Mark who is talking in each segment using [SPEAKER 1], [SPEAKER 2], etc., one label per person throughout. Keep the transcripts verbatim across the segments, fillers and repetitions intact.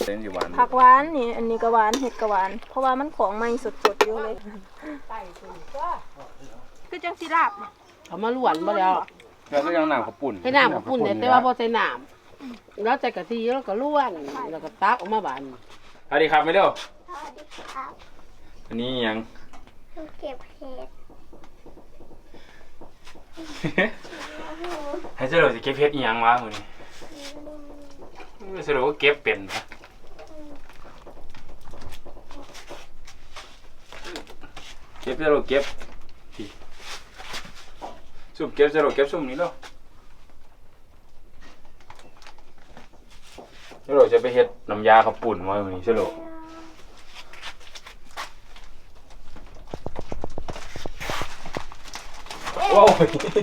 [SPEAKER 1] ผักหวานนี่อันนี้ก็หวานเห็ดก็หวานเพราะว่ามันของใหม่สดๆอยู่เลยคือจังสิลาบ
[SPEAKER 2] เขามาล้วนมาแล้ว
[SPEAKER 3] แล้วก็ยังน้ำข้าวปุ้น
[SPEAKER 2] ให้น้ำข้าวปุ้นเนี่ยแต่ว่าพอใส่น้ำแล้วใส่กะทิแล้วก็ล้วนแล้วก็ตักออกมาบาน
[SPEAKER 3] สวัสดีครับไม่เร็ว
[SPEAKER 4] สวัสดีครับ
[SPEAKER 3] อันนี้ยัง
[SPEAKER 4] เก็บเห็ด
[SPEAKER 3] ให้เจ้าเราจะเก็บเห็ดยังวะคนนี้สรุปว่าเก็บเป็นนะเก็บเจ้าเราเก็บที่ซุ่มเก็บเจ้าเราเก็บซุ่มนี้แล้วเจ้าเราจะไปเฮ็ดน้ำยาข้าวปุ้นมาคนนี้เจ้าเราว้าว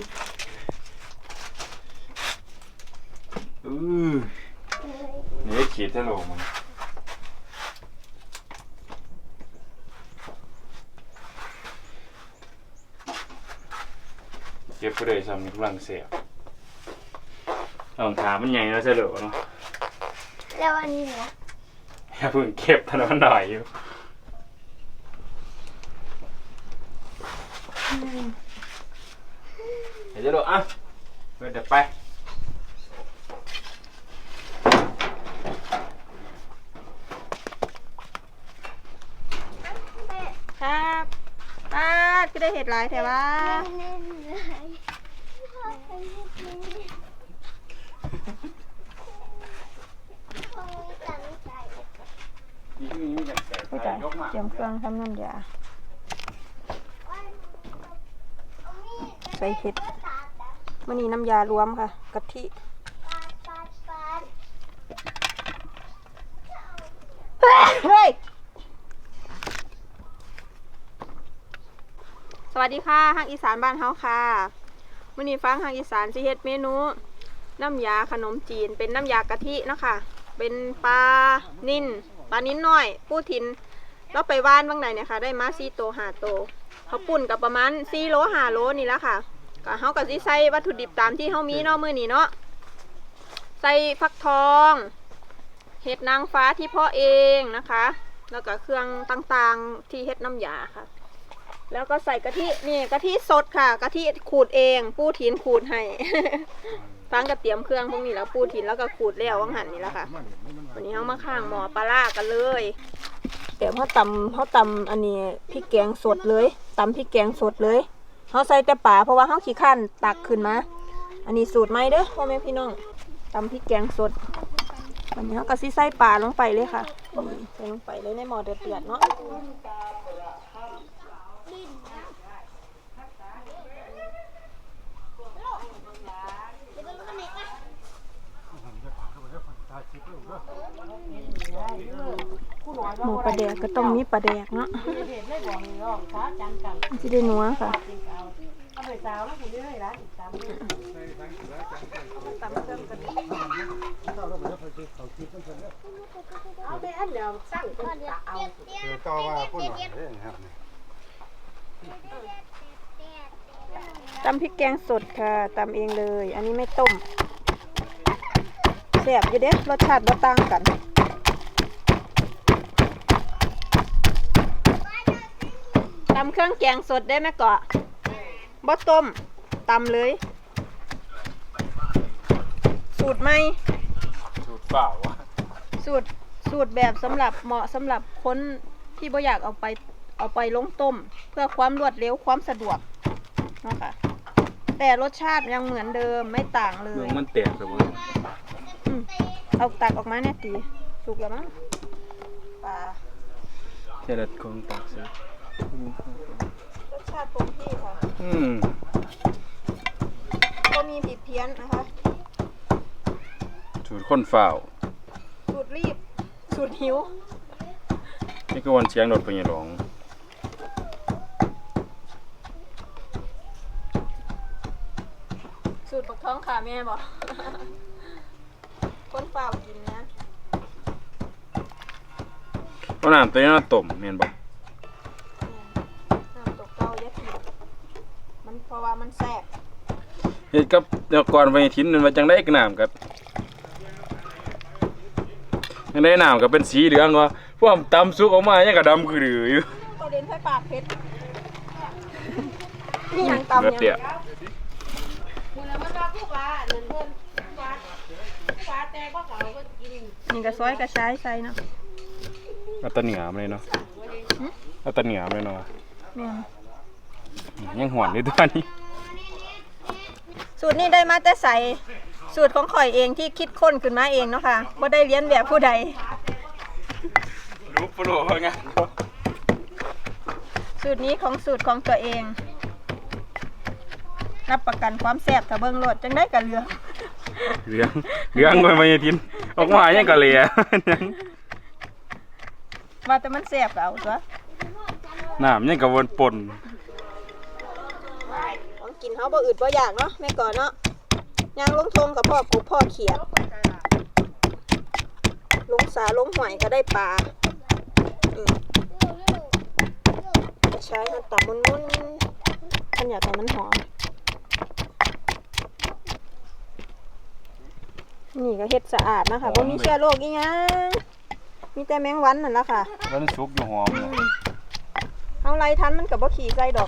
[SPEAKER 3] อือนี่ขีดเท่าไหร่มันเก็บไปเลยซ้ำนี่กำลังเสียบลองถามมันใหญ่แล้วเฉลิมเนาะ
[SPEAKER 4] แล้วอันนี้นะ
[SPEAKER 3] อย่าเพิ่งเก็บถนนหน่อยอยู่เดี๋ยวจะดูอ่ะเปิดเดี๋ยวไป
[SPEAKER 1] ครับป้าก็ได้เห็ดหลายแถวว่าเตรียมเครื่องทำน้ำยาใส่เห็ดมันนี่น้ำยารวมค่ะกะทิเฮ้ยสวัสดีค่ะฮักอีสานบ้านเฮาค่ะมื้อนี้ฟังฮักอีสานสิเฮ็ดเมนูน้ำยาขนมจีนเป็นน้ำยากะทิเนาะค่ะเป็นปลานิ่นปลานิ่นน้อยปูทินเราไปว่านบางไหนเนี่ยค่ะได้มาสี่โตห้าโตเขาปุ่นกับประมาณสี่โลห้าโลนี่แล้วค่ะก็เฮาก็สิใส่วัตถุดิบตามที่เฮามีเนาะมื้อนี้เนาะใส่ฟักทองเห็ดนางฟ้าที่เพาะเองนะคะแล้วก็เครื่องต่างๆที่เฮ็ดน้ำยาค่ะแล้วก็ใส่กะทินี่กะทิสดค่ะกะทิขูดเองปูถินขูดให้ ฟังกระเตรียมเครื่องพวกนี้แล้วปูถินแล้วก็ขูดแล้ววังหันนี่แล้วค่ะวันนี้เขามาข้างหม้อปลาล่ากันเลยเดี๋ยวเขาตำเขาตำอันนี้พริกแกงสดเลยตำพริกแกงสดเลยเขาใส่แต่ป่าเพราะว่าเขาขี้ข้านตักขึ้นมาอันนี้สูตรใหม่เด้อพ่อแม่พี่น้องตำพริกแกงสดวันนี้เขาก็ซิใส่ป่าลงไปเลยค่ะใส่ลงไปเลยในหม้อเดือดๆเนาะหมูปลาแดกก็ต้องมีปลาแดกเนาะจะได้นัวค่ะตำพริกแกงสดค่ะตำเองเลยอันนี้ไม่ต้มแซ่บอยู่เด้รสชาติบ่ต่างกันตำเครื่องแกงสดได้ไหมเกาะบ่ต้มตำเลยสูตรใหม่
[SPEAKER 3] สูตรเปล่าวะ
[SPEAKER 1] สูตรสูตรแบบสำหรับเหมาะสำหรับคนที่บ่อยากเอาไปเอาไปลงต้มเพื่อความรวดเร็วความสะดวกนะคะแต่รสชาติยังเหมือนเดิมไม่ต่างเลย
[SPEAKER 3] มันแตกเลยมั้ง
[SPEAKER 1] เอาตักออกมาเนี่ยตีสุกแล้วมั้งปลา
[SPEAKER 3] เจริญคงตักสิ
[SPEAKER 1] รสชาติคงที่ค่ะ
[SPEAKER 3] อืม
[SPEAKER 1] ก็มีผิดเพี้ยนนะคะ
[SPEAKER 3] สูตรข้นฝ่าว
[SPEAKER 1] สูตรรีบสูตรหิว
[SPEAKER 3] นี่ก็วันเชียงรถไปยังหลง
[SPEAKER 1] สูตรปักท้องขาแม่บอกคนเปล่ากินนะ
[SPEAKER 3] ก็น้ำตัวนี้น่าต้มเมียนบอก
[SPEAKER 1] น้ำตกเต้าเยอะผิดมันเพราะว่ามันแซ่บ
[SPEAKER 3] เฮ็ดกับเดี๋ยวก่อนไปทิ้นมันมาจังได้กระน้ำกับในน้ำก็เป็นสีเหลืองวะพวกตำซุกออกมายังกระดำคือดืออยู่
[SPEAKER 1] ตัวเด่นใส่ปากเพชรนี่ยังตำ
[SPEAKER 3] เลือด
[SPEAKER 1] ยัง
[SPEAKER 3] เดี่ย
[SPEAKER 2] มื้อนั้นมันว่าผู้ว่านั่นเพิ่นผู้ว่าผู้ว่าแต่บ่เขาเพิ่นกิน
[SPEAKER 1] นี่ก็ซอยกระชายใส่เนาะ
[SPEAKER 3] เอาตะเหนียมเลยเนาะเอาตะเหนียมเลยเนาะ
[SPEAKER 1] แม่น
[SPEAKER 3] ยังหวนเลยตัวนี้
[SPEAKER 1] สูตรนี้ได้มาแต่ใส่สูตรของข่อยเองที่คิดค้นขึ้นมาเองเนาะค่ะบ่ได้เรียนแบบผู้ใด
[SPEAKER 3] รู้ปลุกไง
[SPEAKER 1] สูตรนี้ของสูตรของตัวเองรับประกันความแซ่บถ้าเบิ่งรสจังได้ก็เหลือ
[SPEAKER 3] เหลืองเหลืองไปมาทินออกมายังกะเหลีย
[SPEAKER 1] ว่าแต่มันแซ่บก็เอาตัว
[SPEAKER 3] น้ำยังกะวนปน
[SPEAKER 1] ของกินเฮาบ่อืดบ่อยากเนาะแม่ก่อนเนาะย่างลงทงกับพ่อกบพ่อเขียดลงสาลงหวยก็ได้ปลาอืมใช้มันตับมุนๆขันอยากให้มันหอมนี่ก็เฮ็ดสะอาดนะคะบ่มีเชื้อโรคอีหยังมีแต่แมงวันนั่นล่ะค่ะ
[SPEAKER 3] แล้วมันซุกอยู่หอมเลย
[SPEAKER 1] เอาไรทันมันกับบ่ขี่ใส่ดอก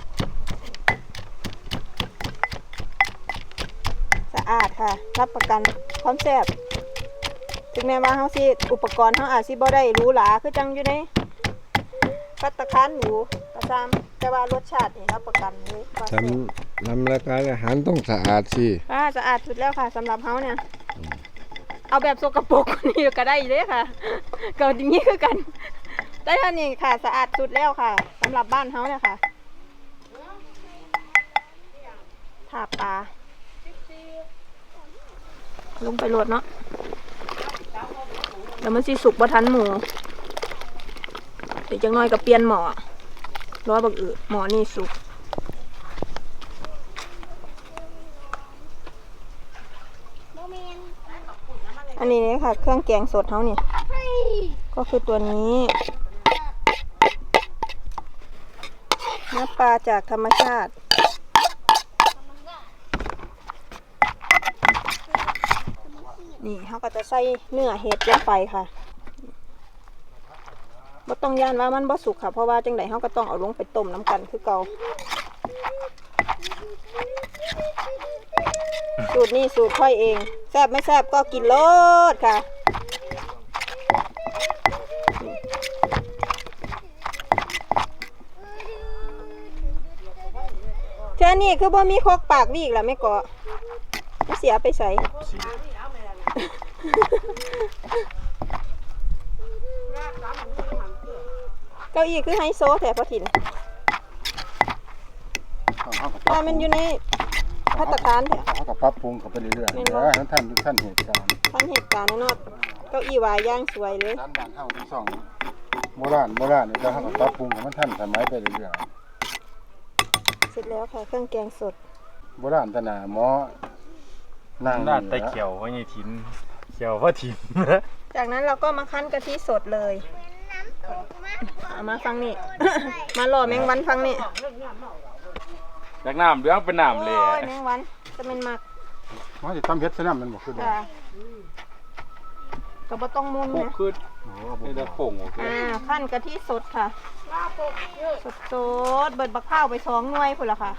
[SPEAKER 1] สะอาดค่ะ รับประกันความแซ่บถึงแม้ว่าเฮาสิอุปกรณ์เฮาอาจสิบ่ได้หรูหราคือจังอยู่ในภัตตาคารหรูก็ตามแต่ว่ารสชาตินี่รับประกันเลยว่า
[SPEAKER 5] ท
[SPEAKER 1] แซ่บ
[SPEAKER 5] ำนำรายการอาหารต้องสะอาดสิ
[SPEAKER 1] อ่าสะอาดสุดแล้วค่ะสำหรับเฮาเนี่ย เอาแบบสกปรกกว่านี่ก็ได้อยู่เด้ค่ะก็อย่างนี้คือกัน ได้เท่านี้ค่ะสะอาดสุดแล้วค่ะสำหรับบ้านเฮาเนี่ยค่ะถาปลาลงไปโหลดเนาะแล้วมันสิสุกบ่ทันหมูเดี๋ยวจังน้อยก็เปลี่ยนหม้อรอบักอือหม้อนี่สุกอันนี้เนี่ยค่ะเครื่องแกงสดเฮานี่ก็คือตัวนี้เนื้อปลาจากธรรมชาตินี่เขาก็จะใส่เนื้อเห็ดลงไปค่ะบ่ต้องย่านว่ามันบ่สุกค่ะเพราะว่าจังไดเขาก็ต้องเอาลงไปต้มน้ำกันคือเก่าสูตรนี้สูตรค่อยเองแซ่บไม่แซ่บก็กินโลดค่ะเท่านี้คือบ่มีโคกปากวีกแล้วไม่ก่อไม่เสียไปใส่ เก้าอี้คือไฮโซแถบพอถิ่นแต่มันอยู่ในภัตตาคารแถบ
[SPEAKER 5] เขาก็ปรับปรุงเขาไปเรื่อยๆ
[SPEAKER 1] แม่
[SPEAKER 5] เดี๋
[SPEAKER 1] น
[SPEAKER 5] ยว
[SPEAKER 1] บ่
[SPEAKER 5] ให้ท่านทุกท่านเหตุการณ์
[SPEAKER 1] ท่านเหตุการณ์แน่นอนเก้าอี้วายย่างสวยเลย
[SPEAKER 5] ร้านบ้านเฮาทั้งสองโบราณโบราณนี่ก็เขาก็ปรับปรุงให้มันทันสมัยไปเรื่อย
[SPEAKER 1] เสร็จแล้วค่ะเครื่องแกงสด
[SPEAKER 5] ๆโบราณตนาหมอนั่ง
[SPEAKER 3] ด้านใต้เขียวว่าไงทินเขียวว่าทิน
[SPEAKER 1] จากนั้นเราก็มาคั้นกะทิสดเลยเอามาฟังนี่ มาหล่อแมงวันฟังนี่
[SPEAKER 3] จากน้ำเหลืองเป็นน้ำเลย
[SPEAKER 1] โอ้ยแมงวันจะเป็นหมัก
[SPEAKER 5] หมอสิทำเฮ็ดซะนำมันบ่คือเด้อ
[SPEAKER 1] ค่ะก็บ่ต้องมุน
[SPEAKER 3] โคก
[SPEAKER 1] นะ
[SPEAKER 3] ขึ้น
[SPEAKER 5] โอ้บ่
[SPEAKER 3] นี่ได้โป่งโอเค
[SPEAKER 1] อ่าขั้นกะทิสดค่ะ สดสดๆเบิดบักข้าวไปสองหน่วยพุ่นละค่ะ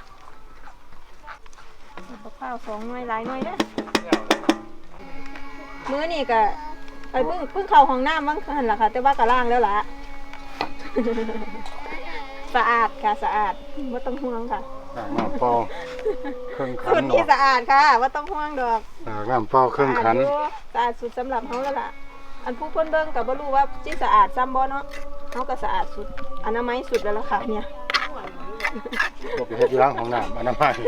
[SPEAKER 1] เบิดบักข้าวสองหน่วยหลายหน่วยเด้อมื้อนี่ก็ไอ้เพิ่งเพิ่งเข้าห้องน้ำมั้งหันล่ะค่ะ แต่ว่ากะล่างแล้วล่ะ สะอาดค่ะสะอาดไม่ต้องห่วงค่ะ
[SPEAKER 5] อ่าน้ำเปล่าเครื่องขั
[SPEAKER 1] สุ
[SPEAKER 5] น
[SPEAKER 1] ดที่
[SPEAKER 5] เนาะ
[SPEAKER 1] สะอาดค่ะว่าต้องห่วงดอก
[SPEAKER 5] อ่าน้ำเปล่าเครื่องขัน
[SPEAKER 1] สะอาดอยู่สะอาดสุดสำหรับเขาแล้วล่ะ อันผู้เพิ่นเบิ่งก็บ่รู้ว่าที่สะอาดซ้ำบ่เนาะเขาก็สะอาดสุดอนามัยสุดแล้วล่ะค่ะเนี่ย
[SPEAKER 5] ก็ไปเฮ็ดอยู่หล้างของน้ำอนามัย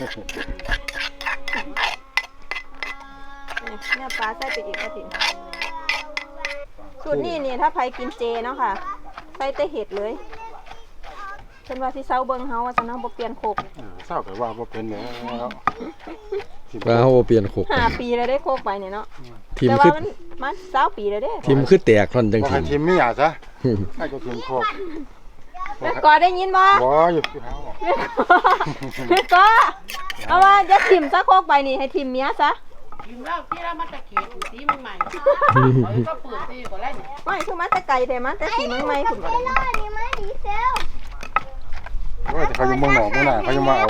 [SPEAKER 1] เนี่ยปลาใส่ไปอีกกระถิ่นสูตรนี้นี่ถ้าใครกินเจเนาะค่ะใส่แต่เห็ดเลยเพิ่นว่าสิเซาเบิ่งเฮาว่าซั่นเนาะบ่เปลี่ยนโคก
[SPEAKER 5] เออเศร้าก็ว่าบ่เป็นแล้ว
[SPEAKER 6] ปลาเขาบ่เปลี่ยนโคก
[SPEAKER 1] ห้าปีแล้วได้โคกไปเนี่ยเนาะ
[SPEAKER 6] ทีม
[SPEAKER 1] แต่
[SPEAKER 6] คือ
[SPEAKER 1] ว่ามันมันเก้าปีแล้วเด้
[SPEAKER 6] ทีมคือแตกท่อนจัง
[SPEAKER 5] บ่
[SPEAKER 6] ที
[SPEAKER 5] ให้
[SPEAKER 6] ม
[SPEAKER 5] ทีมมีหยาซะให้ก็ทีมโคก
[SPEAKER 1] แม่กอได้ยินบ่
[SPEAKER 5] บ่อยู่ที่เฮา
[SPEAKER 1] แม่กอเอาว่าจะทิมซะโคกไปนี่ให้ทิมเมียซะ
[SPEAKER 2] กินแล้วที่เรามาตะเกียบสีใหม่ๆเขาก็เปิดตีก็แล้วเนี่ย
[SPEAKER 1] ไม่คือมาแต่ไก่แต่มาแต่สีมันไม่คุณบ่ได้
[SPEAKER 4] อันนี้ไม่ดีเซล
[SPEAKER 5] โอ้ยแต่เขายังเมืองหนอกเมืองหน้าเขายังมาเอา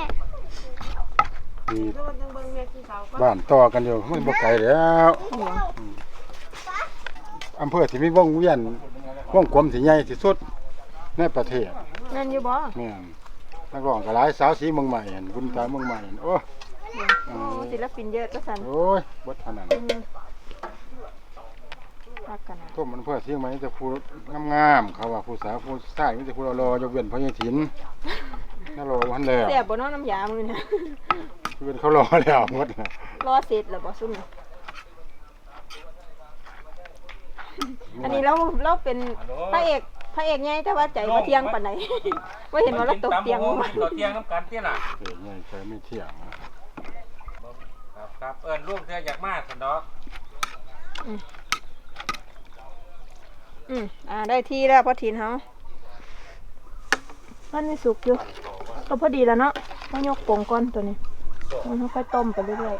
[SPEAKER 5] ดีบ้านต่อกันอยู่มันบ่ไกลแล้วอำเภอที่มีวงเวียนวงกลมที่ใหญ่ที่สุดในประเทศ
[SPEAKER 1] แม่นอยู่บ่
[SPEAKER 5] แม่นนักร้องก็หลายสาวสีเมืองใหม่หั่นบุญตาเมืองใหม่หั่นโอ้
[SPEAKER 1] โอ้ศิลปินเยอะก็สั่น
[SPEAKER 5] โอ้ยบ่เท่านั้น
[SPEAKER 1] รักกันนะ
[SPEAKER 5] พวกมันเพื่อเสียงใหม่แต่ผู้งามๆเขาว่าผู้สาวผู้ชายมีแต่ผู้รอๆยกเว้นพ่อใหญ่ถินนั่นรอวันแล้ว
[SPEAKER 1] แซ่บบ่เนาะน้ำยามื้อนี้
[SPEAKER 5] เว้นเขารอแล้วหมดน่ะ
[SPEAKER 1] รอเสร็จแล้วบ่ซุ่มนี่อันนี้เราเราเป็นพระเอกพระเอกใหญ่แต่ว่าใจบ่เที่ยงปานใด บ่เห็นว่าเราตกเตียงลงมา
[SPEAKER 3] ตกเตียงน้ำกันเตี้ยน่ะ
[SPEAKER 5] เอ้ยใหญ่ใจไม่เที่ยงนะครับ
[SPEAKER 3] ครับเอิ้นลูกเธออยากมาสันดอก
[SPEAKER 1] อืมอ่าได้ที่แล้วพอถินเฮามันไม่สุกอยู่ก็พอดีแล้วเนาะต้องยกโป่งก่อนตัวนี้มันค่อยต้มไปเรื่อย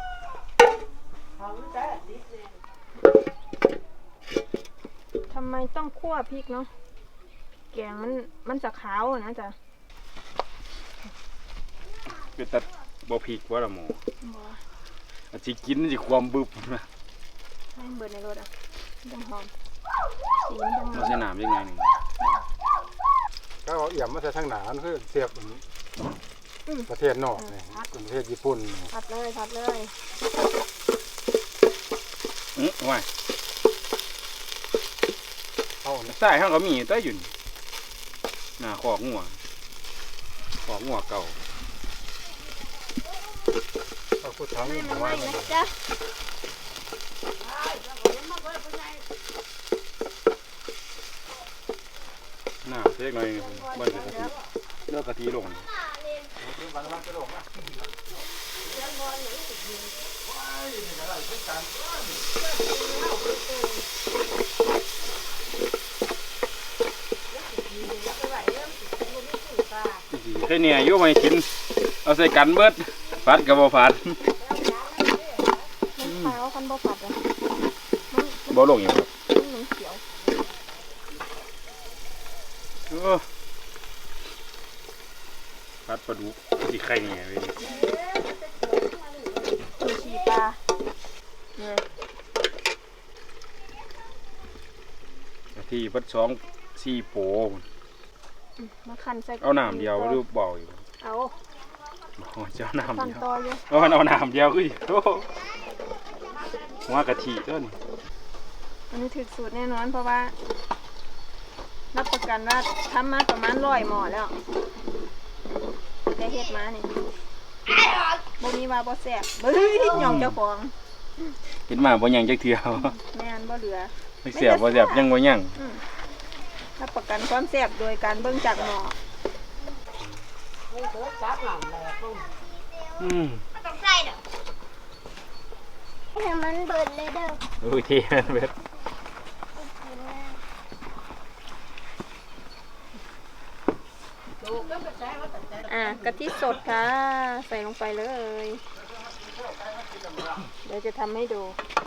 [SPEAKER 1] ๆทำไมต้องคั่วพริกเนาะแกงมันมันจะขาวอะนะจ๊ะ
[SPEAKER 3] เป็นตัดบ่พริกว่าละหมออาสิกินสิความบึบนะ
[SPEAKER 1] ให้เบิดในรถอ่ะจังหอมสีมันจังห
[SPEAKER 3] มั
[SPEAKER 1] อน ม
[SPEAKER 3] สิน้ำยังไงนี่
[SPEAKER 5] ก็เอาเอี่ยมมาใส่ทางหนานั่นคือเสียบประเทศนอกนี่ประเทศญี่ปุ่นนี่
[SPEAKER 1] ผัดเลยผัดเลย
[SPEAKER 3] อื้อว่า
[SPEAKER 5] เอานะ
[SPEAKER 3] ใส่เฮาก็มีแต่อยู่นี่หน้าขอกงัวขอกงัวเก่า
[SPEAKER 5] เอาผู้ทั้ง
[SPEAKER 1] ไม่มัน
[SPEAKER 5] ไว้
[SPEAKER 1] ไม่
[SPEAKER 5] มัน
[SPEAKER 1] นะจ๊ะ
[SPEAKER 3] หน้าเล็กน้อยนี่บ่ได้กะทิเลือกกะทิลงแค่เนี่ยอยู่ไม่กินเอาใส่กันเบิดผัดก็บ่ผัด
[SPEAKER 1] มันขาวคันบ่ผัดอ่ะ
[SPEAKER 3] บ่ลงอยู่ครับ
[SPEAKER 1] มันเหมือนเขียว
[SPEAKER 3] โอ้ผัดปลาดุกสิไข่เนี่ยเว้ย
[SPEAKER 1] ซูชิปลาเนี่ย
[SPEAKER 3] กะทิเบิดสองสี่โป
[SPEAKER 1] มาคั้นใส่
[SPEAKER 3] เอาน้ำเดียวหรือเบาอยู่
[SPEAKER 1] เอา
[SPEAKER 3] โอ้ยจะเอาน้ำ
[SPEAKER 1] คั้น
[SPEAKER 3] เดียว
[SPEAKER 1] ต่ออยู่
[SPEAKER 3] เอามันเอาน้ำเดียวคือโอ้หัวกะทิต้น
[SPEAKER 1] อันนี้ถึกสูตรแน่นอนเพราะว่ารับประกันว่าทำมาประมาณร้อยหม้อแล้วแต่เฮ็ดมานี่บ่มีว่าบ่แซ่บเฮ้ยหย่องเจ้าของ
[SPEAKER 3] เห็นมาบ่ยังจักเทื่อ
[SPEAKER 1] แม่นบ่เหลือ
[SPEAKER 3] ไม่เสียบบ่เสียบยังบ่ยัง
[SPEAKER 1] อืมรับประกันความแซ่บโดยการเบิ่งจากหม้อ
[SPEAKER 3] อืม
[SPEAKER 4] ต้องใส่เด้อให้มันเบิดเลยเด้อ
[SPEAKER 3] โอ้ยเท่เบ็ด
[SPEAKER 1] อ่ะกะทิสดค่ะ ใส่ลงไปเลย เดี๋ยวจะทำให้ดู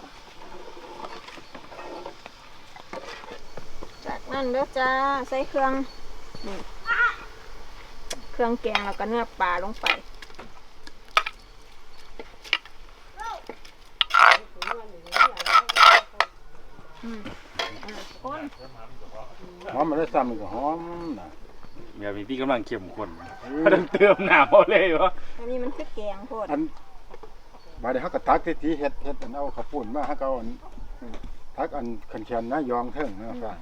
[SPEAKER 1] จากนั้นเด้อจ้าใส่เครื่องนี่เครื่องแกงแล้วก็เนื้อปลาลงไปอืมอ่ะคน
[SPEAKER 5] หอมมันได้ซ้ำมันก็หอมนะ
[SPEAKER 3] แบบนี้พี่กำลังเข้มข้นต้องเติมน้ำเอาเลยวะ
[SPEAKER 1] อันนี้มันคือแกงโพด
[SPEAKER 5] อันบาดนี้เฮาก็ตักที่เฮ็ดเฮ็ดอันเอาข้าวปุ้นมาเฮาก็เอาอันตักอันขันเขียนนะยองเทิงนะฟัง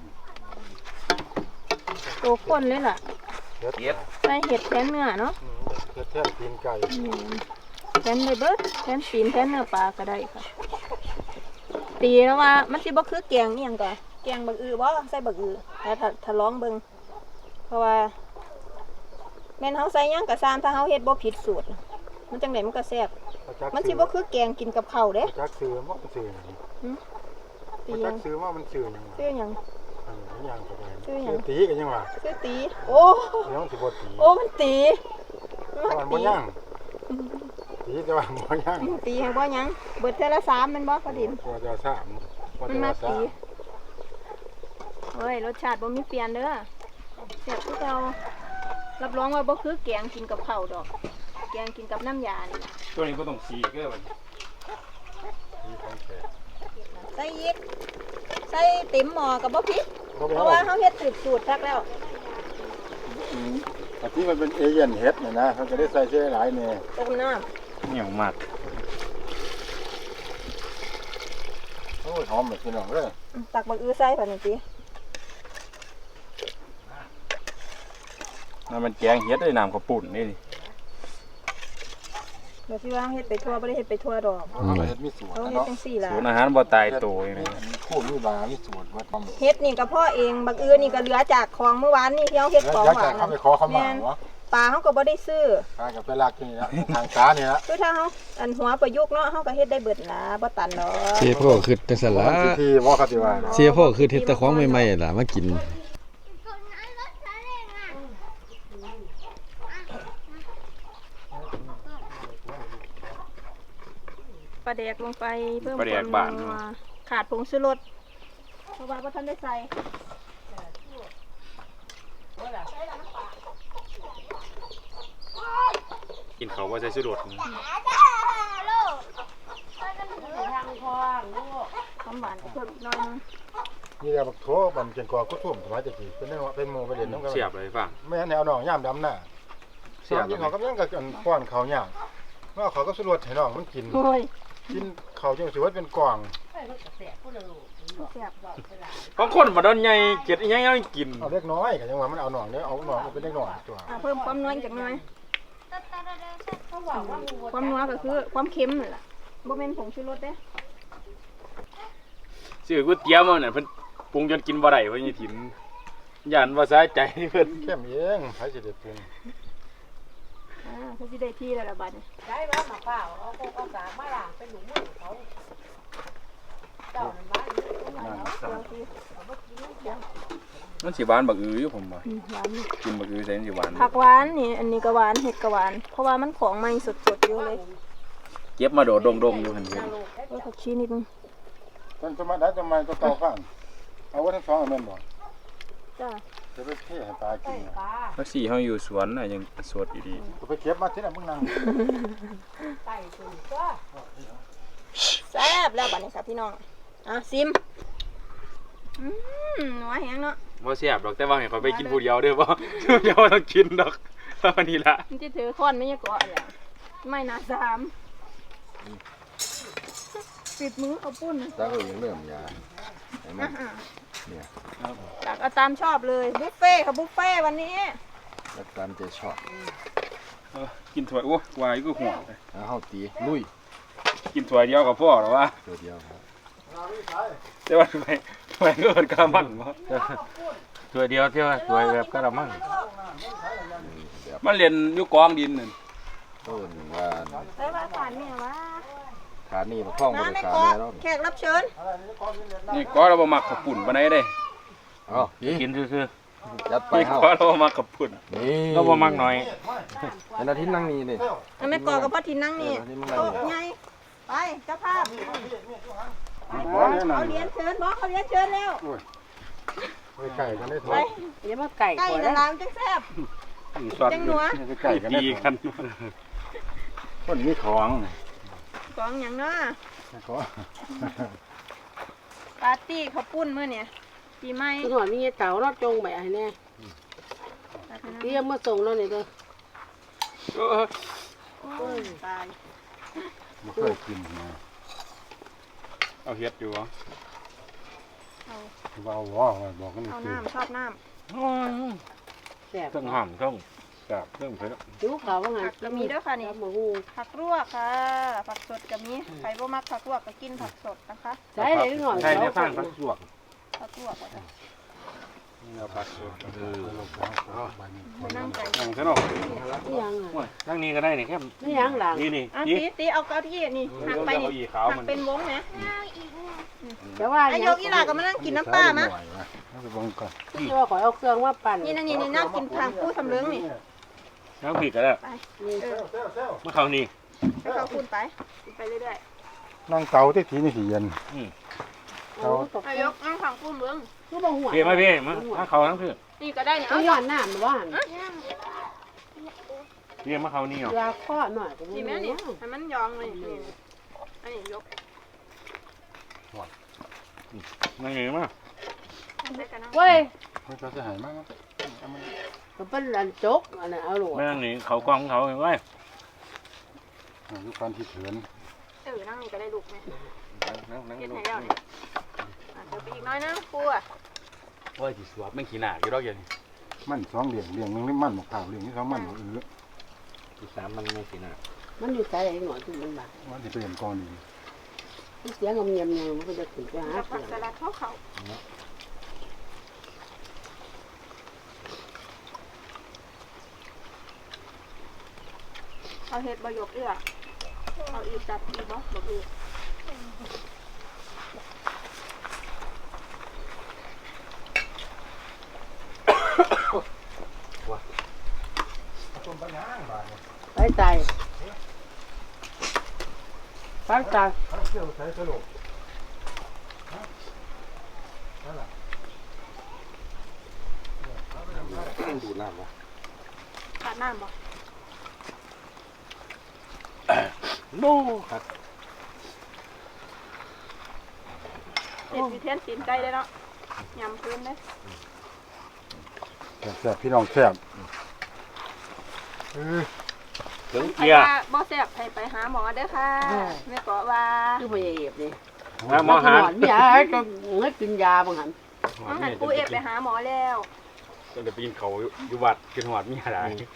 [SPEAKER 1] ตัวข้นเลยล่ะ
[SPEAKER 5] เฮ็ด
[SPEAKER 3] เฮ็ด
[SPEAKER 1] ใส่เห็ดแทนเนื้อเนาะ
[SPEAKER 5] เฮ็ดแทนตีนไก่
[SPEAKER 1] อืมแทนเลยเบิดแทนปีนแทนเนื้อปลาก็ได้ค่ะ ตีแล้วว่ามันสิบ่คือแกงนี่หยังก่อแกงบักอือบ่ใส่บักอือแล้วถ้าถ้าลองเบิ่งเพราะว่าแม่นเฮาใส่หยังก็ซ้ำถ้าเฮาเฮ็ดบ่ผิดสูตร มันจังไดมันก็แซ่บมันสิบ่คือแกงกินกับข้าวเด้
[SPEAKER 5] จักซื้อว่ามันซื้อหยัง
[SPEAKER 1] ตี
[SPEAKER 5] จั
[SPEAKER 1] หยั
[SPEAKER 5] ก
[SPEAKER 1] ง
[SPEAKER 5] ซื้อว่ามันซื้อหยัง
[SPEAKER 1] ซื้อหยัง
[SPEAKER 5] อันนี้หยังก็ได้
[SPEAKER 1] ซื้อหยัง
[SPEAKER 5] ตีกันยังว่า
[SPEAKER 1] ซื้อตีโอ้
[SPEAKER 5] เดี๋ยวมันสิบ่ตี
[SPEAKER 1] โอ้มันตี
[SPEAKER 5] มันบ่ยังตีแต่ว่าบ่ย่าง
[SPEAKER 1] ตีให้บ่หยังเบิดเท่าละสามแมันบ่พอดิน
[SPEAKER 5] พอจะสามพอ
[SPEAKER 1] มัน
[SPEAKER 5] จะ
[SPEAKER 1] มา
[SPEAKER 5] สา
[SPEAKER 1] ตี
[SPEAKER 5] ม
[SPEAKER 1] เฮ้ยรสชาติบ่มีเปลี่ยนเด้อแซ่บคือเก่ารับรองว่าบ่คือแกงกินกับข้าวดอก แกงกินกับน้ำยานี่ล่ะ
[SPEAKER 3] ตัวนี้ก็ต้องสีเกลือมัน
[SPEAKER 5] ที่ของแท้
[SPEAKER 1] ใส่อีกใส่เต็มหม้อกับบ่พริก
[SPEAKER 5] บ่
[SPEAKER 1] เพ
[SPEAKER 5] ไป
[SPEAKER 1] ราะ
[SPEAKER 5] เอา
[SPEAKER 1] ว่าเฮาเฮ็ดสูตรสูตรทักแล้ว
[SPEAKER 5] อืมอันที่มันเป็นเอเย่นเฮ็ดเนี่ยนะเขาจะได้ใส่เสื้อหลายเนี่ย
[SPEAKER 1] ต้มน้
[SPEAKER 3] เหนียวมาก
[SPEAKER 5] โอ้ยหอมแบบพี่น้องเลย
[SPEAKER 1] ำตักบักอื้อใส่ผ่านสิ
[SPEAKER 3] นั่นมันแกงเฮ็ดด้วยน้ำข้าวปุ่นนี่ดิ
[SPEAKER 1] เดี๋ยวสิว่าเฮ็ดไปทั่วบ่ได้เฮ็ดไปทั่วดอก
[SPEAKER 5] เขาก็เฮ็ดมีสูตร
[SPEAKER 1] เฮา
[SPEAKER 5] นะ
[SPEAKER 1] เฮ็ด
[SPEAKER 5] เนาะ
[SPEAKER 1] จังซี่ล่ะ
[SPEAKER 3] ศูนย์อาหารบ่ตายตัวอย่างนี้
[SPEAKER 5] คู่มีบามีสูตรว่าทำ
[SPEAKER 1] เฮ็ดนี่ก็พ่อเองบักอื้อนี่ก็เหลือจากของเมื่อวานนี่ที่เฮาเฮ็ดของ
[SPEAKER 5] อยาก
[SPEAKER 1] หวา
[SPEAKER 5] จะ
[SPEAKER 1] น
[SPEAKER 5] เข้า
[SPEAKER 1] น่ะ
[SPEAKER 5] ไปขอเขามา
[SPEAKER 1] แม่น
[SPEAKER 5] วะ
[SPEAKER 1] ปลาเฮาก็บ่ได้ซื้อ
[SPEAKER 5] ตากับไปลากที่นี่ละทางซ้านี่ละ
[SPEAKER 1] คือถ้าเฮาอันหัวประยุกต์เนาะเฮาก็เฮ็ดได้เบิดล่ะบ่ตันดอก
[SPEAKER 6] เสียพ่อคือจังซั่นล่ะ
[SPEAKER 5] ที่ที่ว่าเขาสิว่านะ
[SPEAKER 6] เสียพ่อคือเฮ็ดแต่ของใหม่ๆล่ะมากิน
[SPEAKER 1] ปลาแดกลงไปเพิ่ม
[SPEAKER 3] ปลาแด
[SPEAKER 1] ควาก ม
[SPEAKER 3] บ้าน
[SPEAKER 1] นัวขาดผงชูรสเพราะว่าบ่ทันได้ใส่
[SPEAKER 3] กินเขาวบ่ใส่สุดดนี่
[SPEAKER 2] ทางคลองลูก
[SPEAKER 1] ความหวานก็เพิ่มอีกหน่อยนึง
[SPEAKER 5] นี่แหละบักโถบันเจนกว่ากุทุ่มสมัยตะกี้เป็นเรื่องเป็นหมู่ประเด็นน้องกัน
[SPEAKER 3] เสียบเลยฟัง
[SPEAKER 5] ไม่งั้นแนวน้องย่ามดำหน้า
[SPEAKER 3] เสี
[SPEAKER 5] เสีย
[SPEAKER 3] ย
[SPEAKER 5] บบ กินเขาก็ยังกับอันป้อนเขาย่างว่าเขาก็สรวดให้น้องมันกิน
[SPEAKER 1] โอ้ย
[SPEAKER 5] กินเขาจังสิว่าเป็นกล่อง
[SPEAKER 2] ไปมันก็แสบผู้ละลูก
[SPEAKER 1] แซ่บ
[SPEAKER 2] บอกไปหลาย
[SPEAKER 3] ของคนบ่ดอนใหญ่เก็ดอีหยังยังกิน
[SPEAKER 5] เอาเล็กน้อยก็ยังว่ามันเอาหน่องเด้อเอาหน่องมันเป็นเล็กน้อยตัว
[SPEAKER 1] อ่ะเพิ่มความนัวอีกจักหน่อย
[SPEAKER 2] เขาบอกว่างู
[SPEAKER 1] ความนัวก็คือความเค็มนั่นล่ะบ่แม่นผงชูรสเด้
[SPEAKER 3] ซื้อก๋วยเตี๋ยวมาน่ะเพิ่นปรุงจนกินบ่ได้เพิ่นสิถิ่มย่านว่าสาใจเพิ่น
[SPEAKER 5] เข้มเองใครสิได้ปรุง
[SPEAKER 1] อ่าเพิ่นสิได้ที่แล้วล่ะบัดนี้
[SPEAKER 2] ได้ว่าหมาเปล่าเอาโคกเอาสามาล้างเป็นหนูมือเขาเจ้านั่นบ้านอยู่ตรงไหน
[SPEAKER 5] นั่น
[SPEAKER 2] เนาะ
[SPEAKER 5] สั่ง
[SPEAKER 3] มันสิหวานบักอืออยู่ผมว่า
[SPEAKER 1] อืมหวานอยู่
[SPEAKER 3] กินบักอือใส่มันสิหวาน
[SPEAKER 1] ผักหวานนี่อันนี้ก็หวานเห็ดก็หวาน เพราะว่ามันของใหม่สดๆอยู่เลย
[SPEAKER 3] เก็บมาโดดดงๆอยู่หั่นเพิ่น
[SPEAKER 1] เออผักชีนิดนึง
[SPEAKER 5] ต้นสมัยได้ทำไมก็เตาข้างเอาไว้ทั้งสองอันแม่นบ่
[SPEAKER 1] จ้า
[SPEAKER 5] จะไปเทให้ปลากินน่ะ
[SPEAKER 2] ปลา
[SPEAKER 3] แล้วสิเฮาอยู่สวนน่ะยังสดอยู่ดี
[SPEAKER 5] ก็ไปเก็บมาที่นั่นมึงนั่ง
[SPEAKER 2] ไก่ตัวก็
[SPEAKER 1] แซ่บแล้วบัดนี้ค่ะพี่น้องอ่ะซิมอืมนัวแฮงเนาะ
[SPEAKER 3] บ่แซ่บดอกแต่ว่าให้ข่อยไปกินผู้เดียวเด้อบ่ เดี๋ยวต้องกินดอกเท่านี้ล่ะ
[SPEAKER 1] มันจะถือค้อนไม่ใช่เกาะอะไรไม่นาสามปิดมือเอาปุ้น
[SPEAKER 6] ตาก็ยังเริ่มยาเห็นมั้
[SPEAKER 1] อ่ะ
[SPEAKER 6] ย
[SPEAKER 1] ๆ
[SPEAKER 6] เนี่ย
[SPEAKER 1] ตักเอาตามชอบเลยบุฟเฟ่ต์ค่ะบุฟเฟ่ต์วันนี้
[SPEAKER 6] แล้วตามใจชอบ
[SPEAKER 3] เออกินถ้วยโอ้วายก็ห่วงเลย
[SPEAKER 6] แล้วเฮาตีลุย
[SPEAKER 3] กินถ้วยเดียวก็พอแล้วว่า
[SPEAKER 6] ตัวเดียวครับ
[SPEAKER 3] แต่ว่าทำไมทำไมก็เป็นกระมังวะถ้วยเดียวเท่าถ้วยแบบกระมัง
[SPEAKER 6] แบบ
[SPEAKER 3] มันเรียนอยู่กองดินนั่น
[SPEAKER 6] เพิ่นว่า
[SPEAKER 1] ใส่ว่าสารเนี่ยวะ
[SPEAKER 6] ขานี่มาคล้องบ่
[SPEAKER 1] น้า
[SPEAKER 6] ได้
[SPEAKER 1] ไม่
[SPEAKER 6] ขา
[SPEAKER 1] เกาะ
[SPEAKER 6] แม่แล้ว
[SPEAKER 1] แขกรับเชิญ
[SPEAKER 3] นี่ก็เราบ่มักขับปุ่นปานใดเด้
[SPEAKER 6] เอ้านี่
[SPEAKER 3] กินซื่อ
[SPEAKER 6] จัด
[SPEAKER 3] ๆ
[SPEAKER 6] ไป
[SPEAKER 3] นี่
[SPEAKER 6] เฮา
[SPEAKER 3] ก็เราบ่มักขับปุ่น
[SPEAKER 6] นี่
[SPEAKER 3] เราบ่มักน้อย
[SPEAKER 6] เป็นอาทิตย์นั่งนี่นี่
[SPEAKER 1] น้าไม่เกาะกับพ่อทินนั่งนี่
[SPEAKER 6] เออที่มันนั่ง
[SPEAKER 1] โต๊ะ
[SPEAKER 6] นี่
[SPEAKER 1] ไงไปเจ้าภาพ
[SPEAKER 5] บ่เนี่ยนั่
[SPEAKER 1] เขา
[SPEAKER 5] น
[SPEAKER 1] เรียนเชิญบอกเขาเรียนเชิญแล้ว
[SPEAKER 5] ไปไก่กันได้ถ
[SPEAKER 1] ไป
[SPEAKER 5] อย
[SPEAKER 2] เดี๋ยวมาไก่
[SPEAKER 1] ใกล้
[SPEAKER 2] ก่อน
[SPEAKER 1] ละ
[SPEAKER 2] นะ
[SPEAKER 1] ลามจังแซ่บ
[SPEAKER 3] สอด
[SPEAKER 1] จังหนัว
[SPEAKER 5] ไปไก่กันได้
[SPEAKER 3] ดี
[SPEAKER 5] ถ
[SPEAKER 3] กั
[SPEAKER 5] อน ยคนมีของ
[SPEAKER 1] กองอย่างเนาะ
[SPEAKER 5] ขอ
[SPEAKER 1] ปาร์ตี้ข้าวปุ้นมื้อเนี่ยปีใหม่
[SPEAKER 2] คือหัวมีเต่าเนาะจงไปให้แน่เตรียมมาส่งแล้วนี่เด้อ
[SPEAKER 3] เออ
[SPEAKER 1] โอ้ยตาย
[SPEAKER 5] บ่เคยกินนะ
[SPEAKER 3] เอาเฮ็ดอยู่เหรอ
[SPEAKER 5] ว่าว่าว่าบอกกัน
[SPEAKER 1] เอา
[SPEAKER 5] คือ
[SPEAKER 1] น้ำชอบน้
[SPEAKER 2] แซ่บ
[SPEAKER 3] เครื่องห้ามเครื่องแซ่บเครื่องเผ็ด
[SPEAKER 2] ดูเขาว่าไง
[SPEAKER 1] ำผักก็มีเด้วยค่ะนี่
[SPEAKER 2] หมูฮู
[SPEAKER 1] ผักลวกค่ะ ผักสดก็มีใครบ่มักผักลวกก็กินผักสดนะคะ
[SPEAKER 2] ใช้เลยหน่อย
[SPEAKER 3] ใช่ในฟังฟักสวก
[SPEAKER 1] ผักลวกก็ได้
[SPEAKER 3] นี่เอาผักสวกเออ
[SPEAKER 1] มานั่งไก่
[SPEAKER 3] นั่งซะเนาะ
[SPEAKER 2] นี่ยังอ่ะ
[SPEAKER 3] โอ้ยนั่งนี่ก็ได้นี่แค่
[SPEAKER 2] นี่ยังหลัง
[SPEAKER 3] นี่นี่
[SPEAKER 1] อ่ะ
[SPEAKER 3] นี่
[SPEAKER 1] ตีตีเอาเก้าอี้นี่หักไปนี่
[SPEAKER 3] เก้าอี้ขาว
[SPEAKER 1] หั
[SPEAKER 3] มั
[SPEAKER 1] ก
[SPEAKER 3] น
[SPEAKER 1] เป็นวงนะ
[SPEAKER 2] แต่ว่า
[SPEAKER 1] ไอ้ยกอีหลาก็มานั่งกินน้ำปลามะ
[SPEAKER 5] เอาไปเบิ่งก่อน
[SPEAKER 2] ที่ว่าขอเอาเครื่องมาปั่น
[SPEAKER 1] นี่นะนี่นี่นั่งกินทางผู้สำเริงนี่
[SPEAKER 3] น้ำผิดก็ได้
[SPEAKER 1] ไป
[SPEAKER 2] นี่
[SPEAKER 1] เออ
[SPEAKER 3] เมื่อเขานี่
[SPEAKER 1] ให้เขาคูณไปคูณไปเรื่อย
[SPEAKER 5] นั่งเตาที่ทีนี่สิเย็น
[SPEAKER 2] โอ้ตก
[SPEAKER 1] ๆนายกนั่งขังคูณเบิ้ง
[SPEAKER 2] คือบ่หัว
[SPEAKER 3] พี่มาพี่มามาเขาทั้งพี่
[SPEAKER 1] นี่ก็ได้เนี่ย
[SPEAKER 2] เอา
[SPEAKER 1] เอา
[SPEAKER 2] หวานน้ำว่าหั่น
[SPEAKER 3] พี่มาเขานี่เหรอย
[SPEAKER 2] าข้อหน่อยก็บ่
[SPEAKER 1] นี่แม่
[SPEAKER 2] รู้
[SPEAKER 1] นี่ให้มันยองเลยนี่อันนี้ยก
[SPEAKER 3] นั่งไงมา
[SPEAKER 1] ได้กันนะ
[SPEAKER 2] เว้ย
[SPEAKER 5] มันจะหายมาก
[SPEAKER 2] ก็เป็นอันจกอันนั้นเอาโหลด
[SPEAKER 3] ไม่นั่งนี่เขากล้องเขาไว้
[SPEAKER 5] ลูกการที่เถือน
[SPEAKER 1] เออนั่งนี่ก็ได้ลูกไหม
[SPEAKER 6] นั่งนั่ง
[SPEAKER 1] เก็บ
[SPEAKER 6] ดู
[SPEAKER 1] ให้แล้วเนี่ยอ่ะเดี๋ยวไปอีกน้อยนะครูอ่ะ
[SPEAKER 3] โอ้ยสิสวบไม่ขี้หน้าอยู่ดอกเย็น
[SPEAKER 5] มันสองเหลี่ยงเหลี่ยงนึงนี่มันหมกขาวเหลี่ยงนี่สองมันหมกอื้อ
[SPEAKER 6] ที่สามมันไม่ขี้หน้า
[SPEAKER 2] มันอยู่ใจไอ้หน่อยที่มันบาด
[SPEAKER 5] ว่าจะเป็นก้อนนี้
[SPEAKER 2] เสียงเงียบๆมันก็จะขึ้นไปหา
[SPEAKER 1] กับผั
[SPEAKER 2] เสี
[SPEAKER 1] ก
[SPEAKER 2] ยง
[SPEAKER 1] สลัดเขาเขาเอาเห็ดบะหยกเอื้อเอาอีจัดอีบ่บะอือ
[SPEAKER 2] ไปใจไปใจ
[SPEAKER 5] เที่ยวใช้สลบ
[SPEAKER 6] ดูน้ำวะ
[SPEAKER 1] ขาดน้ำบ่
[SPEAKER 6] โน่ครับ
[SPEAKER 1] เห็ดมีเทียนตีนไก่ได้เนาะยำพื้นได้
[SPEAKER 5] แซ่บพี่น้องแซ่บ
[SPEAKER 3] ถึง
[SPEAKER 1] ใคร
[SPEAKER 3] เกียร์
[SPEAKER 1] ว่าบ่แซ่บให้ไปหาหมอเด้อค่ะแม่ก็ว่า
[SPEAKER 2] คือบ่เอฟนี่
[SPEAKER 3] มาหมอหา
[SPEAKER 2] หมียก็ให้กินยาบางหัน
[SPEAKER 1] ต้องหันปูเอฟไปหาหมอแล้ว
[SPEAKER 3] ต้องเดี๋ยวไปกินเขาอยู่วัดกินหอดมีอะไร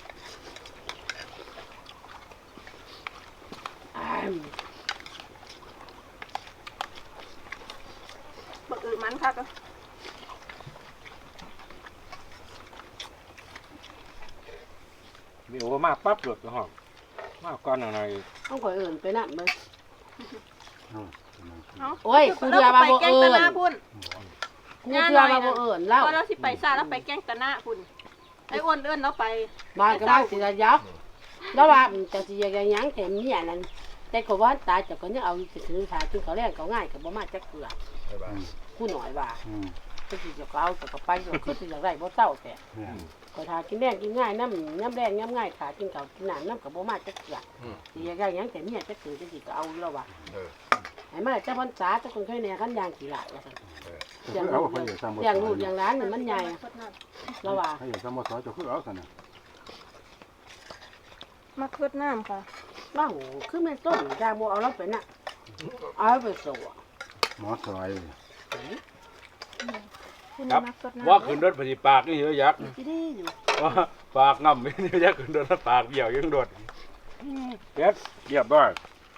[SPEAKER 2] อ้าย
[SPEAKER 1] บักอือมันค่ะก็
[SPEAKER 6] มีโอมาปั๊บหลุดก็หอมมาก่อนหน่อย
[SPEAKER 2] ต้องข่อยเอิ้นไปนั่นเบิ่ง
[SPEAKER 1] เอ้า
[SPEAKER 2] โอ้ยครูเดือมาบ่
[SPEAKER 1] ไปแกล้ง
[SPEAKER 2] เอิ้
[SPEAKER 1] ตะ
[SPEAKER 2] น
[SPEAKER 1] หน้าพุ่น
[SPEAKER 2] ครูเดือมาบ่เอิ้นเล่า
[SPEAKER 1] พอเราสิไปซ่าแล้วไปแกล้งตะหน้าพุ่นไอ้อ้วนเอื้อนเราไป
[SPEAKER 2] บ้านก็บ้านสิระยับแล้วว่าจะสิยังหยังแต่เมียนั่นแต่ก็ว่าตายจะก็ยังเอาสิถือสาจึงเขาแรงเขาง่ายก็บ่มาจักเทื่อกูหน่อยว่า
[SPEAKER 5] อืม
[SPEAKER 2] ก็สิจะเอาจะก็ไปก็คือสิอยากได้บ่เศร้าแต่
[SPEAKER 5] เนี่ย
[SPEAKER 2] ก็ทากินแรงกินง่ายน้ำน้ำแรงน้ำง่ายขากินเก่ากินน้ำน้ำกับบ่มาจักเกือสิอยากได้หยังแต่เมียจักคือจักสิก็เอาแล้วว่ะให้มาเจ้าพรรษาเจ้าคนเคยแน่คันยางขี้หลายว่าซั่น
[SPEAKER 5] จะคือเอาเขาอยู่ซ้ำบ่
[SPEAKER 2] อย่างลูกอย่างหลานนี่มันใหญ่แล้วว่า
[SPEAKER 5] เขาอยู่ซ้ำบ่ซอยจะคือเอาซะน่ะ
[SPEAKER 1] มาคืดน้ำค่ะ
[SPEAKER 2] บ้าคือแม่ต้นจางบ่เอาเราไปน่ะเอาไปโซ่
[SPEAKER 5] หมอซอย
[SPEAKER 3] ครับว่าขึ้นรถปฏิปากนี่เยอะยักษ์
[SPEAKER 2] สิได้อยู่
[SPEAKER 3] ว่าปากง่ำไม่เยอะยักษ์ขึ้นรถแล้วปากเบี้ยวยังโดดเก็บเรียบร้อย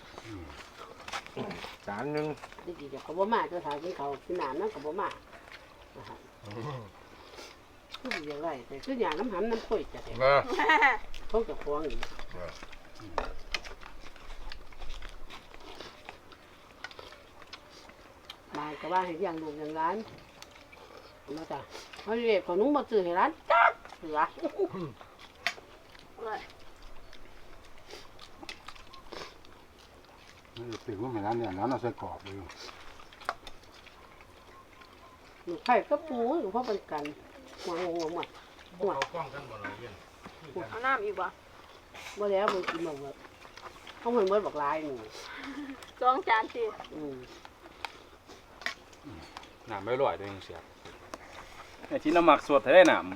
[SPEAKER 6] จานหนึ่ง
[SPEAKER 2] ดิสิจะก็บ่มาเจ้าทากินเขาวกินน้ำน้ำก็บ่มาคือสิอย่างไรแต่คืออย่างน้ำหำน้ำข้อยจะแต่
[SPEAKER 6] มา
[SPEAKER 2] เขาจะควงอยู่บ้านก็ว่าให้อย่างลูกอย่างหลานมาจ้ะเขาเรียกขนมมาซื้อให้ร้านจักเสือ
[SPEAKER 5] นี่ตึกว่าไม่นั้นเนี่ยนั้นเอาใส่กรอบเลย
[SPEAKER 2] หนูไข่ก็ปูหนูพ่อเป็นกันหัวงงหมดหัว
[SPEAKER 1] เอาน้ำอีกบ่
[SPEAKER 2] บ่แล้วมันกินหมดเลยเขาเหมือนเบิดบอกลายหนู
[SPEAKER 1] สองจานสิ
[SPEAKER 2] อืม
[SPEAKER 3] น้ำไม่ร่อยด้วยยังเสียไอ้ที่น้ำหมักสดได้น้ำ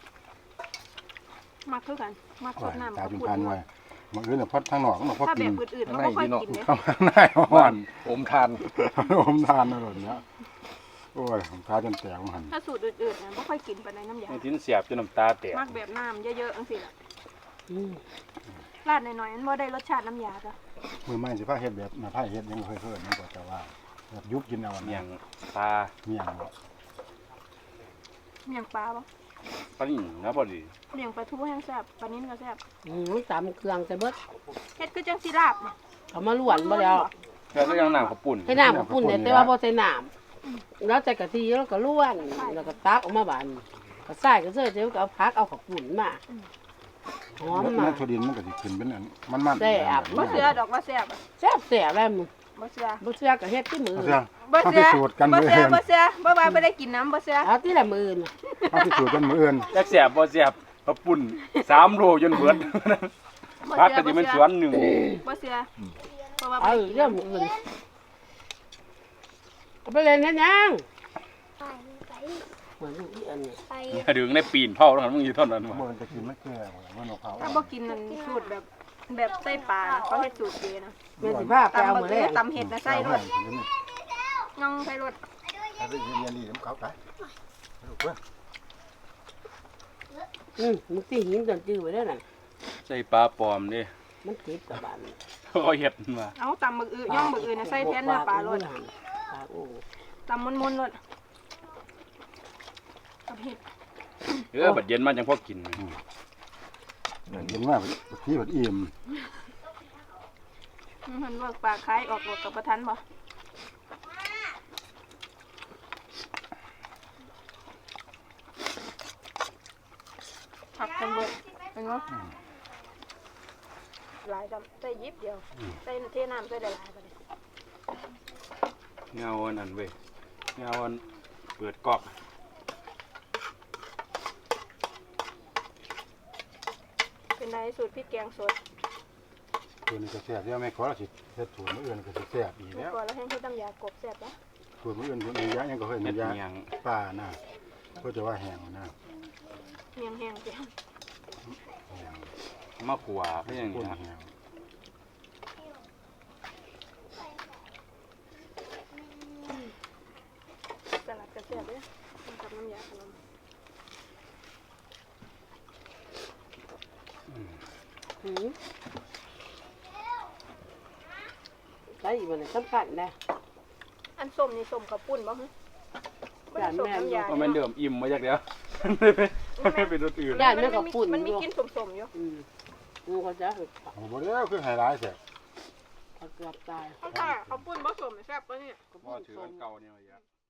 [SPEAKER 1] มาคือกันมาคืดน้ำ
[SPEAKER 5] ตา
[SPEAKER 1] กับ
[SPEAKER 5] จุน
[SPEAKER 1] ปุ่
[SPEAKER 5] พัน
[SPEAKER 1] น
[SPEAKER 5] ไว้มันอื่นน่ะพัดทางนอกมันพอ
[SPEAKER 1] ถ้า
[SPEAKER 5] กิ
[SPEAKER 1] แบ
[SPEAKER 5] น
[SPEAKER 1] บอื่นๆมันก็ค่อยกินเนี่ย
[SPEAKER 5] เข้ามาหน้าอ่อน
[SPEAKER 6] อมทาน
[SPEAKER 5] อมทานอร่อยเนี้ยโอ้ยผมทาจนแตกหัน
[SPEAKER 1] ถ้าสูตรอื่นๆนะไม่ค่อยกินไปในน้ำยา
[SPEAKER 3] ไอ้ที่เสียบจนน้ำตาแตก
[SPEAKER 1] มากแบบน้ำเยอะๆจังสิล่ะ
[SPEAKER 2] อืม
[SPEAKER 1] ราดหน่อยๆมันบ่ได้รสชาติน้ำยาจ้ะ
[SPEAKER 5] มือไม้สิพาเฮ็ดแบบมาพาเฮ็ดยังบ่เคยเพิ่นมันก็จะว่าแบบยุบกินเอา
[SPEAKER 3] เมี
[SPEAKER 5] เนี่ย
[SPEAKER 3] ยงปลา
[SPEAKER 5] เมียงบ่
[SPEAKER 1] เมี่ยงปลาบ่
[SPEAKER 3] ปลาหนินะพอดี
[SPEAKER 1] เมี่ยงปลาทูแห้งแซ่บปลานิ้นก็แซ่บ
[SPEAKER 2] อืมตามเครื่องใส่เบิด
[SPEAKER 1] เฮ็ดคือจังสิลาบน่ะ
[SPEAKER 2] เขามาล้วนบ่แล้ว
[SPEAKER 3] แล้วก็ยังน้ำข้าวปุ่น
[SPEAKER 2] ให้น้ำกับปุ่นเนี่ยแต่ว่าบ่ใส่น้ำแล้วใส่กะทิแล้วก็ล้วนแล้วก็ตักออกมาบานก็ใส่ก็เสื้อเดี๋ยวก็เอาผักเอาข้าวปุ่นมาหอม
[SPEAKER 5] แล้ว
[SPEAKER 2] มา
[SPEAKER 5] ถั่วดินมันก็สิขึ้นเป็นอันมันๆ
[SPEAKER 2] แซ่บ
[SPEAKER 1] บ่เสือดอกว่าแซ่บอะ
[SPEAKER 2] แซ่บแซ่บแล้วมึง
[SPEAKER 1] บ่เสือ
[SPEAKER 2] บ่เชื่อก็เฮ็ดที่มือ
[SPEAKER 5] เอาเสียง
[SPEAKER 1] บ่
[SPEAKER 5] เอา
[SPEAKER 1] เสื
[SPEAKER 5] พิ
[SPEAKER 1] อ
[SPEAKER 5] สูจน์กัน
[SPEAKER 1] บ่
[SPEAKER 5] มื้อ
[SPEAKER 1] เสือ
[SPEAKER 5] อื่น
[SPEAKER 1] บ่เสือบ่ว่าบ่ได้กินน้ำบ่เสือ
[SPEAKER 2] เอาที่ละมือน่ะ
[SPEAKER 5] เอาพิสูจน์กันมื้ออื่น
[SPEAKER 3] จักแสบบ่แสบกระปุ่นสามโลจนเบิด
[SPEAKER 1] บ่
[SPEAKER 3] พัก
[SPEAKER 1] เสื
[SPEAKER 3] ก็
[SPEAKER 1] อ
[SPEAKER 3] สิ
[SPEAKER 1] บ่
[SPEAKER 3] เป็นส
[SPEAKER 1] เสื
[SPEAKER 3] ว
[SPEAKER 1] อน
[SPEAKER 3] หนึ่ง
[SPEAKER 1] บ่เสือเพราะว่าบ่
[SPEAKER 2] เอา
[SPEAKER 1] ได้กิน
[SPEAKER 2] เรื่องมืออื่นเอาไปเล่นเฮ็ดหยัง
[SPEAKER 4] ไปไป
[SPEAKER 2] เหมือนลูกอีอันนี้
[SPEAKER 4] ไป
[SPEAKER 3] อย่าดึงในปีนเผาแล้วมึงอยู่เท่านั้น
[SPEAKER 5] บ่
[SPEAKER 3] วะ
[SPEAKER 5] มันจะกินมันแก่มันเอาเขา
[SPEAKER 1] ถ้าบ่กินนั่นสูตรแบบแบบไส้ปลาน่ะเขาเฮ็ดสูตรเดีนะ
[SPEAKER 2] แม่สิพาไป
[SPEAKER 1] ตำ
[SPEAKER 2] เอา
[SPEAKER 1] บัก
[SPEAKER 2] มื้อ
[SPEAKER 1] เอื
[SPEAKER 2] แร
[SPEAKER 1] อก ตำเห็ดนะใส่รสย่องใส่รส
[SPEAKER 5] เอาไปเรียนๆนี่น้ำเขาไปลูกเว้ย
[SPEAKER 2] อืมมึงสิหินต้นจื้อไว้เด้อนั่น
[SPEAKER 3] ใส่ปลาปลอมดิ
[SPEAKER 2] มันติดกับบ้าน
[SPEAKER 3] เขาเฮ็ดมา
[SPEAKER 1] เอาตำบักอือย่องบักอืนะใส่แทนเนื้อปลารส
[SPEAKER 2] ปลาโอ้
[SPEAKER 1] ตำมนๆรสกับเห็ด
[SPEAKER 3] เออบัดเย็นมาจังพอกิน
[SPEAKER 5] เห็นว่าที่บัดอิ่ม
[SPEAKER 1] มันเวิร์กปลาคล้ายออกรสกับประทันบ่ผักกันเบิดเป็นไงหลายจำใส่ยิบเดียวใส่เทน้ำใส่หลายๆไปเลย
[SPEAKER 3] เงาอันนั้นเว้ยเงาอันเปิดกอก
[SPEAKER 1] เป็นไรสูตรพริกแกงสด
[SPEAKER 5] ตัวนี้ก็แซ่บเดี๋ยวแม่ขอเราสิเฮ็ดถั่วมื้ออื่นก็สิแซ่บอีก
[SPEAKER 1] เมื่อ
[SPEAKER 5] แล้ว
[SPEAKER 1] ก่อนเราให้เฮ็ดน้ำยากบแซ่บปะ
[SPEAKER 5] ถั่วมื้ออื่นถั่วนี้ยะยังก็เคย
[SPEAKER 3] เม็ด
[SPEAKER 5] น้ำยา
[SPEAKER 3] เมียง
[SPEAKER 5] ป่านะก็จะว่าแห้งนะ
[SPEAKER 1] เมียงแห้งเจียว
[SPEAKER 3] มะขวาก็อย่าง
[SPEAKER 5] ข้
[SPEAKER 3] นี้
[SPEAKER 5] น
[SPEAKER 3] นะ
[SPEAKER 5] แห้ง
[SPEAKER 1] สลัดกระแซ่บเลยกับน้ำยาขนม
[SPEAKER 2] หืมใส่อีกบ่ได้สำคัญนะ
[SPEAKER 1] อันส้มนี่ส้มข้าวปุ้นบ่ฮะไม่ได้ส้มน้ำยา
[SPEAKER 3] ก็แม่นเดิมอิ่มมาจากเดียวไม่เป็นไม่เป็นรสอื่น
[SPEAKER 2] ได้แม่ก็ปุ่น
[SPEAKER 1] มันมี
[SPEAKER 2] อยู่
[SPEAKER 1] กลิ่นส้มๆอยู่
[SPEAKER 2] อืมกูก็จะฝึก
[SPEAKER 5] เอาบ่แล้วคือไฮไลท์แซ่บ
[SPEAKER 2] เขาเกือบตาย
[SPEAKER 1] ข้าวปุ้นบ่ส้มแซ่บปะเนี่ย
[SPEAKER 3] พ่อถืออันเก่าเนี่ยมาเยอะ